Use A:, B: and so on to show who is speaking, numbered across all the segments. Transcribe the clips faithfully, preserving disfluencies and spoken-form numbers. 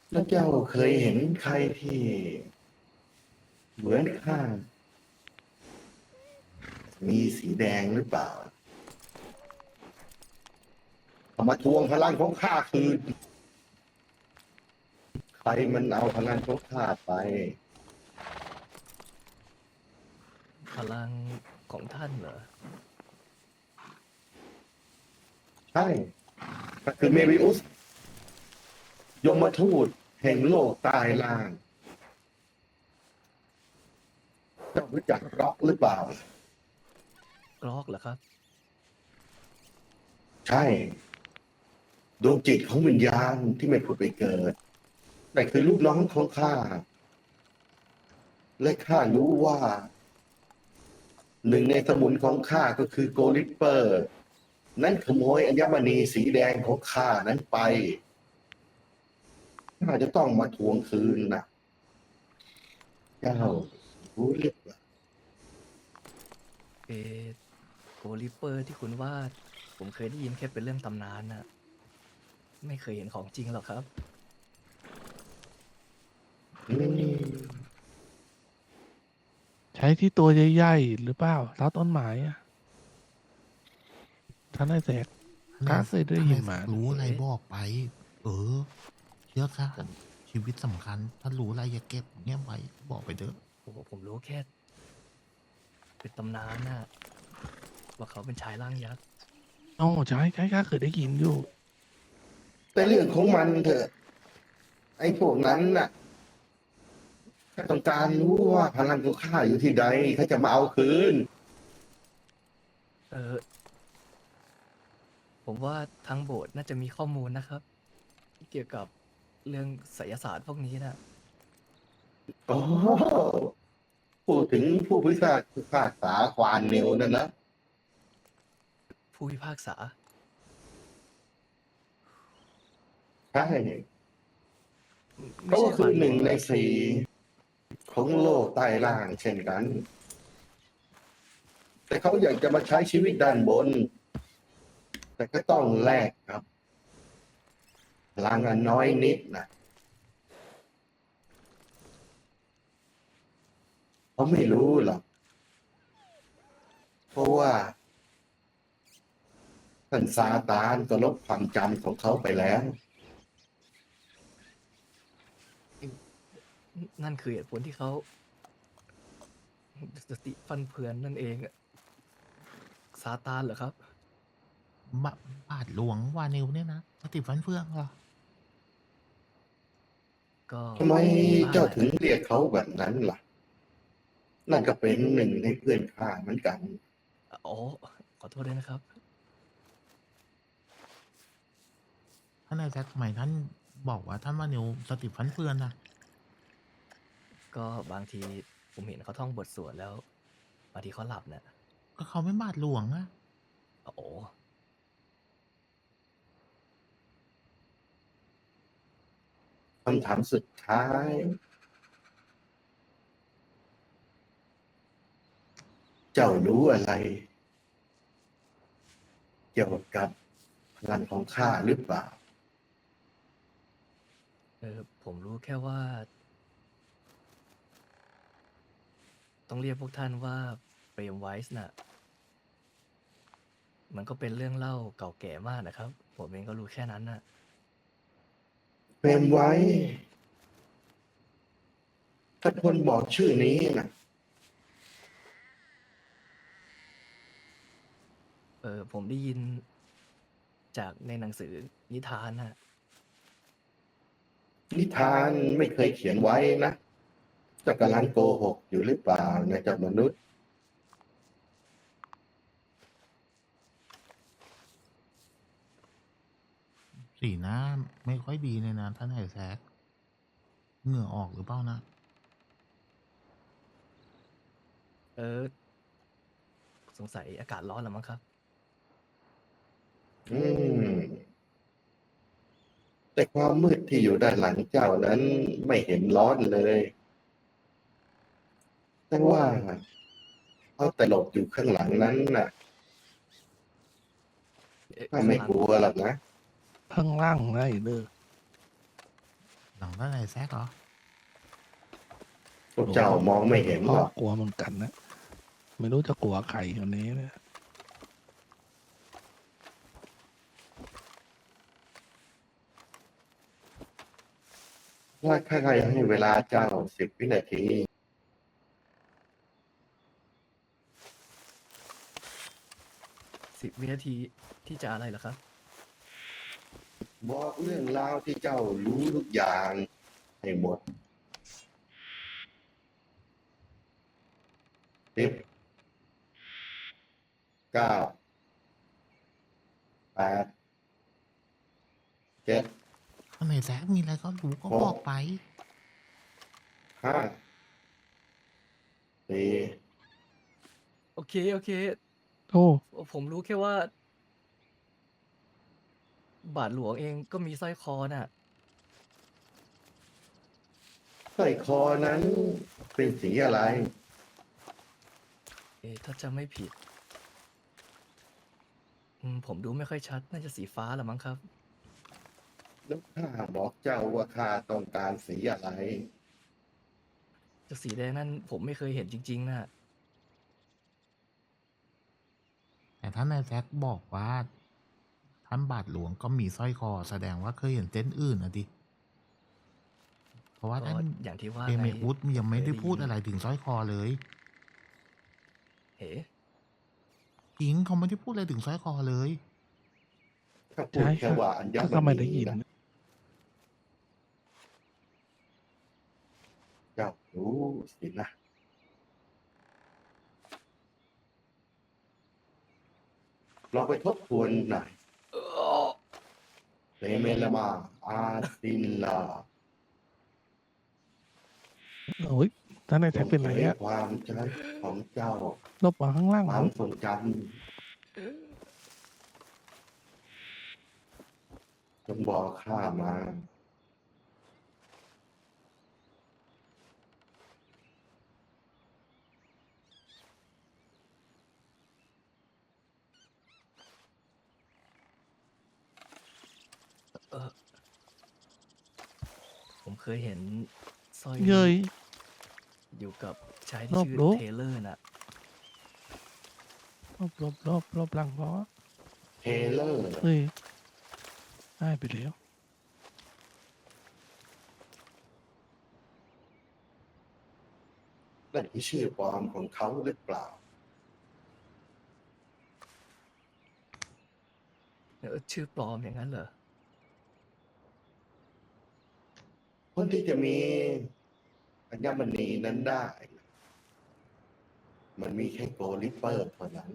A: แล้วเจ้าเคยเห็นใครที่เหมือนข้ามีสีแดงหรือเปล่าเอามาทวงพลังของข้าคืนใครมันเอาพลังของข้าไป
B: พลังของท่านเหรอ
A: ใช่ก็คือเมวิอุสยมทูตแห่งโลกใต้ล่างเจ้ารู้จักร็อกหรือเปล่า
B: กรอกเหรอครับ
A: ใช่ดวงจิตของวิญญาณที่ไม่ผุดไปเกิดแต่คือลูกน้องของข้าและข้ารู้ว่าหนึ่งในสมุนของข้าก็คือโกลิปเปอร์ นั่นขโมยอัญมณีสีแดงของข้านั้นไปข้าจะต้องมาทวงคืนนะเจ้ารู้หรือเปล่า
B: เอโกลิเปอร์ที่คุณว่าผมเคยได้ยินแค่เป็นเรื่องตำนานน่ะไม่เคยเห็นของจริงหรอกครับ
A: อืม
C: ใช้ที่ตัวใหญ่ๆหรือเปล่าเท้าต้นไม้อะท่านไอ้แสกข้าเคยได้ยินมา
D: รู้อะไรบอกไป เออ เชื่อข้า
B: ผม
D: ชีวิตสำคัญ ถ้ารู้อะไรอย่าเก็บเงียบไว้ บอกไปเถอะ
B: โอ้โหผมรู้แค่เป็นตำนานน่ะว่าเขาเป็นชายร่างยักษ์
C: โอ้ใช่ใช่ข้าเคยได้ยินอยู่
A: แต่เรื่องของมันเถอะไอ้พวกนั้นน่ะข้าต้องการรู้ว่าพลังของข้าอยู่ที่ใดข้าจะมาเอาคืน
B: เออผมว่าทางโบสถ์น่าจะมีข้อมูลนะครับ เกี่ยวกับเรื่องไสยศาสตร์พวกนี้นะ
A: อ๋อพูดถึงผู้พิพากพิพากษาควานเนวนั่นนะ
B: ผู้พิพากษา
A: ใช่
B: ไม่
A: เขา
B: ใช่
A: ก็คือ
B: ฝ่าย
A: หนึ่งใน
B: ลว
A: สี่ของโลกใต้ล่างเช่นกัน แต่เขาอยากจะมาใช้ชีวิตด้านบน แต่ก็ต้องแลกครับพลังอันน้อยนิดนะเขาไม่รู้หรอก เพราะว่าท่านซาตานก็ลบความจำของเขาไปแล้ว
B: นั่นคือเหตุผลที่เขาสติฟันเฟือนนั่นเองอะซาตานเหรอครับ
D: บาบาทหลวงวานิวเนี่ยนะสติฟันเฟืองเหรอ
B: ก็
A: ทำไม
B: บ้าง
A: เจ้า
B: แหละ
A: ถึงเรียกเขาแบบนั้นล่ะ นั่นก็เป็นหนึ่งในเพื่อนข้าเหมือนกัน
B: อ๋อขอโทษด้วยนะครับ
D: ท่านนายแซคทำไมท่านบอกว่าท่านวานิวสติฟันเฟืองนะ
B: ก็บางทีผมเห็นเขาท่องบทสวดแล้วบางทีเขาหลับเนี่ย
D: ก็เขาไม่บาทหลวงอะ
B: โอ้โห
A: คำถามสุดท้าย เจ้ารู้อะไร เกี่ยวกับพลังของข้าหรือเปล่า
B: เออผมรู้แค่ว่า ต้องเรียกพวกท่านว่าเปรมไวส์น่ะ มันก็เป็นเรื่องเล่าเก่าแก่มากนะครับ ผมเองก็รู้แค่นั้นน่ะ
A: เฟรมไว้ ถ้าคนบอกชื่อนี้นะ
B: เออผมได้ยินจากในหนังสือนิทานน่ะ
A: นิทานไม่เคยเขียนไว้นะเจ้ากำลังโกหกอยู่หรือเปล่านะเจ้ามนุษย์
D: สีหน้าไม่ค่อยดีเลยนะท่านนายแซคเหงื่อออกหรือเปล่านะ
B: เออ สงสัยอากาศร้อนแล้วมั้งครับ
A: อืม แต่ความมืดที่อยู่ด้านหลังเจ้านั้นไม่เห็นร้อนเลย แต่ว่าเขาแต่หลบอยู่ข้างหลังนั้นน่ะ
B: เอ๊ะ
A: ข้า
B: ข้าง
A: ไม่
B: หลัง
A: กลัวหรอกนะ
C: ข้างล่างไงเด้อ
D: หลังท่านไหนแซกเหรอ
A: พวกเจ้ามองไม่เห็น
C: พ่
A: ห
C: อ
A: รอก
C: กลัวเหมือนกันนะ ไม่รู้จะกลัวใครคนนี้เนี่ย
A: ว่าใครๆให้เวลาเจ้าสิบวินาที
B: สิบวินาทีที่จะอะไรเหรอครับ
A: บอกเรื่องราวที่เจ้ารู้ทุกอย่างให้หมดสิบเก้าแปดเจ็ด
D: ท่านไหนแซกมีอะไรก็รู้ก็
A: โอ้
D: บอกไป
A: ห้าสี่
B: โอเค โอเค
C: โอ้
B: ผมรู้แค่ว่า บาทหลวงเองก็มีสร้อยคอน่ะ
A: สร้อยคอนั้นเป็นสีอะไร
B: เอ๊ะถ้าจะไม่ผิด อืม ผมดูไม่ค่อยชัด น่าจะสีฟ้าละมั้งครับ
A: แล้วข้าบอกเจ้าว่าข้าต้องการสีอะไร
B: จากสีแดงนั่นผมไม่เคยเห็นจริง ๆ น่ะ
D: แต่ท่านนายแซกบอกว่า ท่านบาทหลวงก็มีสร้อยคอ แสดงว่าเคยเห็นเส้นอื่นนะดิ เพราะว่า
B: ก็
D: ท่าน
B: อย่างที่ว่า
D: เอ
B: ไง
D: เมอุสยังไม่ได้
B: เคย
D: พูดอะไรถึงสร้อยคอเลย
B: เอ๋
D: จริงเขาไม่ได้พูดอะไรถึงสร้อยคอเลย
A: ถ้าพูด
C: ใช่
A: แค่
C: ค่ะ
A: ว่าอัญ
C: ก็
A: ม
C: ไม่ได้
A: ณี
C: ยิน
A: นะเจ้ารู้สินะ เราไปทบทวนหน่อยเซเมลามาอาตินลา
C: โอ้ยท่านนาย
A: จ
C: แท็ก
A: ง
C: เป็น
A: เผ
C: ไร
A: ย
C: อะ
A: ความจำของเจ้า
C: ลบมาข้างล่าง
A: ค
C: เหร
A: วา
C: อ
A: มทรงจำจงบอกข้ามา
B: เออ ผมเคยเห็นสร้อย
C: เย้
B: นี้
C: ย
B: อยู่กับชาย
C: ร
B: ที่
C: อบ
B: ชื่อ
C: รู้
B: เทเลอร์น่ะ
C: ลบลบลบลบหลังเพราะ
A: เทเลอร์
C: เฮ้ยได้ไปแล้ว
A: นั่นคือชื่อปลอมของเขาหรือเปล่า
B: เออ ชื่อปลอมอย่างนั้นเหรอ?
A: คนที่จะมีอัญมณีนั้นได้ มันมีแค่โกลิปเปอร์เท่านั้น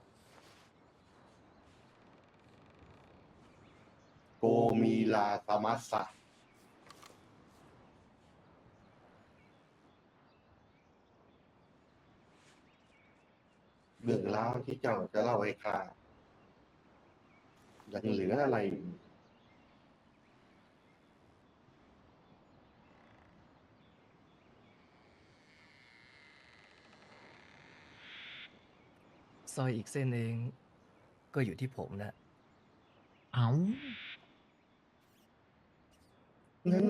A: โกมีลาตามัสสะ เรื่องราวที่เจ้าจะเล่าให้ข้า ยังเหลืออะไรอีก
B: สร้อยอีกเส้นเอง ก็อยู่ที่ผมน่ะ
D: อ้าว
A: งั้น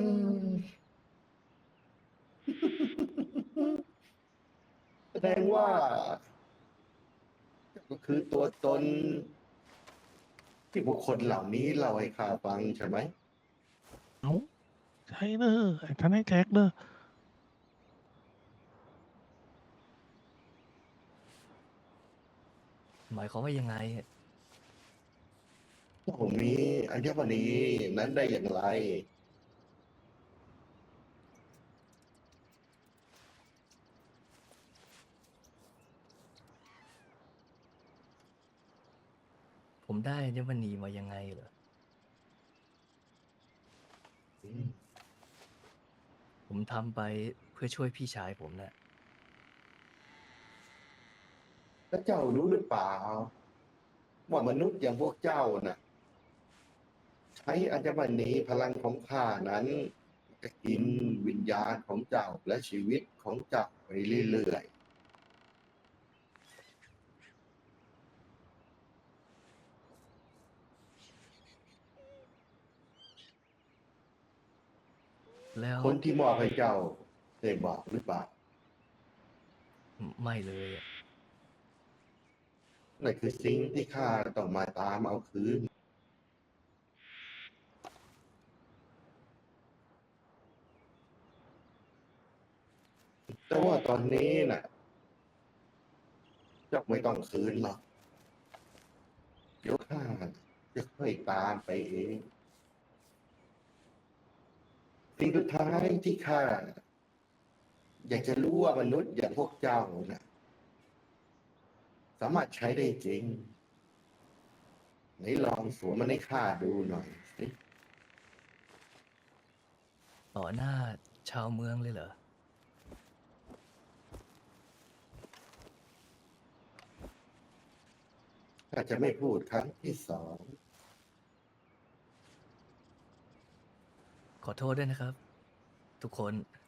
A: แสดงว่า เจ้าก็คือตัวตน ที่บุคคลเหล่านี้เล่าให้ข้าฟังใช่ไหม?
C: อ้าว ใช่เด้อ ไอ้ท่านนายแท็กเด้อ
B: หมายความว่ายังไง?
A: เจ้ามีอัญมณีนั้นได้อย่างไร?
B: ผมได้อัญมณีมายังไงเหรอ?
A: อืม
B: ผมทำไปเพื่อช่วยพี่ชายผมน่ะ
A: แล้วเจ้ารู้หรือเปล่า ว่ามนุษย์อย่างพวกเจ้าน่ะ ใช้อัญมณีพลังของข้านั้น จะกินวิญญาณของเจ้าและชีวิตของเจ้าไปเรื่อย ๆ
B: แล้ว
A: คนที่มอบให้เจ้าได้บอกหรือเปล่า
B: ไม่เลยอะ
A: นั่นคือสิ่งที่ข้าต้องมาตามเอาคืน แต่ว่าตอนนี้น่ะเจ้าไม่ต้องคืนหรอก เดี๋ยวข้าจะค่อยตามไปเอง สิ่งสุดท้ายที่ข้าอยากจะรู้ว่ามนุษย์อย่างพวกเจ้าน่ะสามารถใช้ได้จริง ไหนลองสวมมันให้ข้าดูหน่อยสิ
B: ต่อหน้าชาวเมืองเลยเหรอ
A: ข้าจะไม่พูดครั้งที่สอง
B: ขอโทษด้วยนะครับ ทุกคน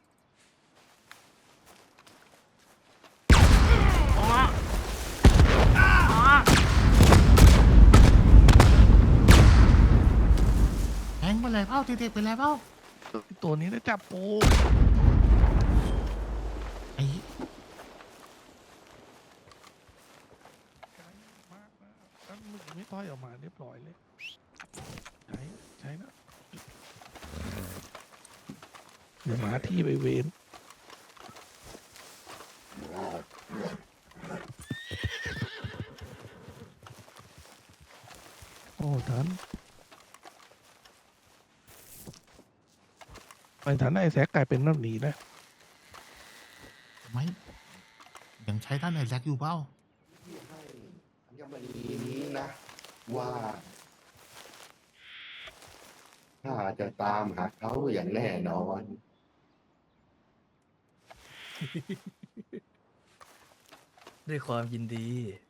D: แทงไปเลยเป้าเด็กๆไปเลยเป้า
C: ตัวนี้ได้จับปู
D: ไอ้
C: ไกลมากนะแล้วมึงไม่ต้อยออกมาเรียบร้อยเลย ใช้ใช้นะเดี๋ยวมาที่ไปเวนโอ้ทันไปทันไอ้แซกกลายเป็นแบบนี้นะ
D: ไม่ยังใช้ท่านไอแซคอยู่เป้า
A: ที่ให้อัญมณีนี้นะว่าข้าจะตามหาเขาอย่างแน่นอน
B: ด้วยความยินดี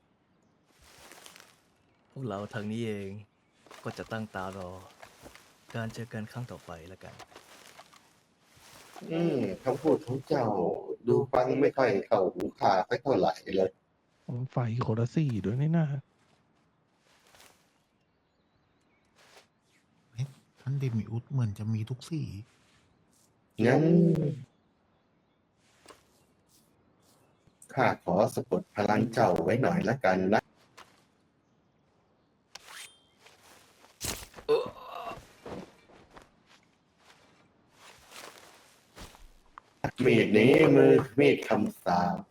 B: พวกเราทางนี้เองก็จะตั้งตารอ การเจอกันครั้งต่อไปแล้วกัน
A: อืมคำพูดของเจ้าดูฟังไม่ค่อยเข้าหูข้าสักเท่าไหร่เลย
C: ผมไฟโคลาสี่ด้วยนี่นะ
D: เอ๊ะท่านเดมิอุสเหมือนจะมีทุกสี
A: งั้นข้าขอสะกดพลังเจ้าไว้หน่อยละกันนะ มีดนี้มือมีดคำสาป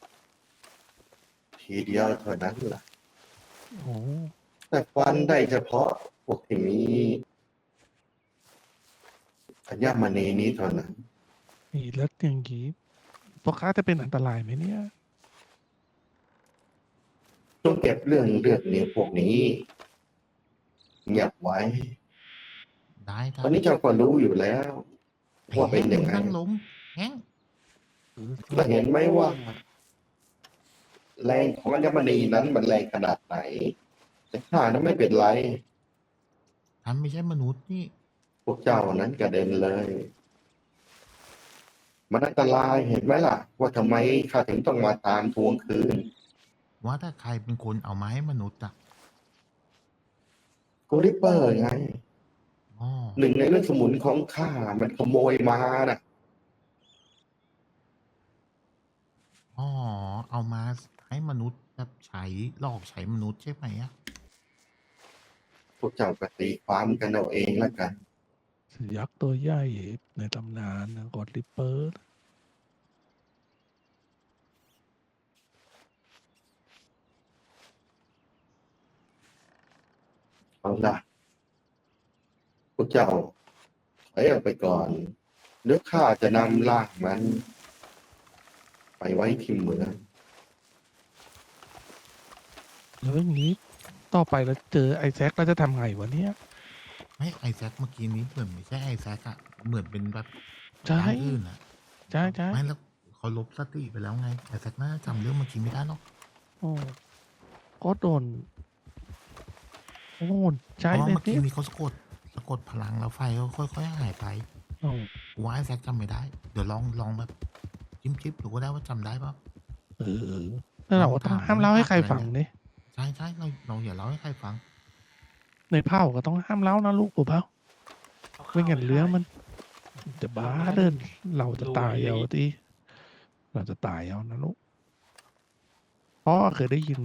A: ทีเดียวเท่านั้นล่ะ
C: โอ้
A: แต่ฟันได้เฉพาะพวกที่มีอัญมณีนี้เท่านั้น
C: นี่แล้วอย่างงี้พวกค้าจะเป็นอันตรายไหมเนี่ย
A: ต้องเก็บเรื่องเลือดเนื้อพวกนี้เงียบไว้
D: ได้ครั
A: ตอนนี้เจ้าก็รู้อยู่แล้ว
D: ไอ้
A: ว่า
D: แฮ
A: เป็น
D: ง
A: ยังไง
D: นั่งลงแฮง
A: และเห็นไหมว่า แรงของอัญมณีนั้นมันแรงขนาดไหน แต่ข้านั้นไม่เป็นไร
D: ท่านไม่ใช่มนุษย์นี่
A: พวกเจ้านั้นกระเด็นเลย มันอันตรายเห็นไหมล่ะ ว่าทำไมข้าถึงต้องมาตามทวงคืน
D: ว่าถ้าใครเป็นคนเอามาให้มนุษย์อ่ะ
A: โกลิปเปอร์ไง
D: อ๋อ
A: หนึ่งในเรื่องสมุนของข้ามันขโมยมาน่ะ
D: อ๋อเอามาให้มนุษย์แบบใช้หลอกใช้มนุษย์ใช่ไหมอ่ะ
A: พวกเจ้าก็ตีความกันเอาเองแล้วกัน
C: เสือยักษ์ตัวใหญ่ในตำนานนะกอดริปเปอร์
A: เอาละพวกเจ้าถอยออกไปก่อนเดี๋ยวข้าจะนำร่างมัน ไปไว้ที่เมือง
C: แล้วอย่างนี้ต่อไปเราเจอไอ้แซกเราจะทำไงวะเนี่ย
D: ไม่ไอแซคเมื่อกี้นี้เหมือนไม่ใช่ไอแซคอะเหมือนเป็นแบบ
C: ใช่
D: ร่างอื่นอะ
C: ใช่ใช่
D: ไม่แล้วเขาลบสติไปแล้วไงไอแซคน่าจะจำเรื่องเมื่อกี้ไม่ได้หรอก
C: โอ้ก็โดนโอ้
D: เพ
C: ใช่
D: ราะว่า
C: เลย
D: เมื่อกี้
C: เนี่ย
D: นี้เขาสะกดสะกดพลังแล้วไฟก็ค่อยๆหายไป
C: โอ้
D: กูว่าไอแซคจำไม่ได้ เดี๋ยวลองลองแบบจิ้มจิ๊บดูก็ได้ว่าจำได้ปะ
C: เออแล้วเราก็ต้องห้ามเล่าให้ใครฟังเนี่ย
D: ใช่ใช่เราเราอย่าเล่าให้ใครฟัง
C: ในเผ่าก็ต้องห้ามเล่านะลูกปู่เผ่าไม่งั้นเรื่องมันจะบ้าเดินเราจะตายเอาที่เราจะตายเอานะลูกพ่อเคยได้ยิน